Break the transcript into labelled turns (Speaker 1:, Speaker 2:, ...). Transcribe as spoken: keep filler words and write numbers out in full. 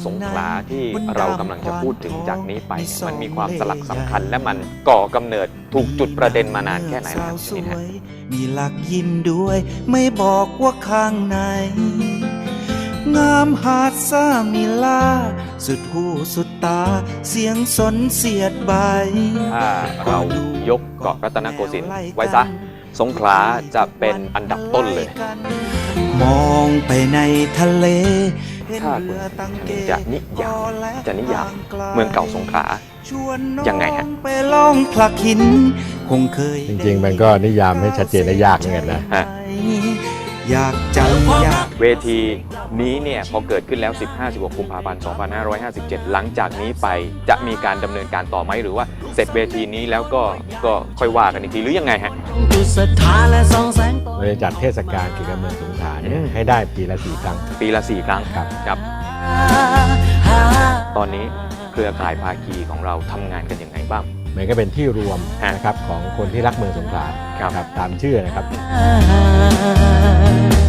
Speaker 1: สงขลาที่เรากำลังจะพูดถึงจากนี้ไปเนี่ยมันมีความสลักสำคัญและมันก่อกำเนิดถูกจุดประเด็นมานานแค่ไหนแล้วชนิดฮะ
Speaker 2: มีหลักยิ้มด้วยไม่บอกว่าข้างในงามหาดซามิลาสุดหูสุดตาเสียงสนเสียดใบ
Speaker 1: ถ้าเรายกเกาะรัตนโกสินทร์ไว้ซะสงขลาจะเป็นอันดับต้นเลย
Speaker 2: มองไปในทะเล
Speaker 1: ถ้าคุณจะนิยามจะนิยามเมืองเก่าสงขลายังไงฮะ
Speaker 2: ไปลองพลักหินคงเคย
Speaker 3: จริงๆมันก็นิยามให้ชัดเจนได้ยากเหมือนกันนะ
Speaker 2: อยากจังอยาก
Speaker 1: เวทีนี้เนี่ยพอเกิดขึ้นแล้ว สิบห้า สิบหก กุมภาพันธ์ สองพันห้าร้อยห้าสิบเจ็ด หลังจากนี้ไปจะมีการดำเนินการต่อไหมหรือว่าเสร็จเวทีนี้แล้วก็ก็ค่อยว่ากันอีกทีหรือยังไงฮะ
Speaker 3: เราจะจัดเทศกาลเกี่ยวกับเมืองสงขลาเนี่ยให้ได้ปีละสี่ครั้ง
Speaker 1: ปีละสี่ครั้ง
Speaker 3: ครับ
Speaker 1: ครับตอนนี้เครือข่ายภาคีของเราทำงานกันยังไงบ้าง
Speaker 3: มันก็เป็นที่รวมนะครับของคนที่รักเมืองสงขลาครับตามชื่อนะครับ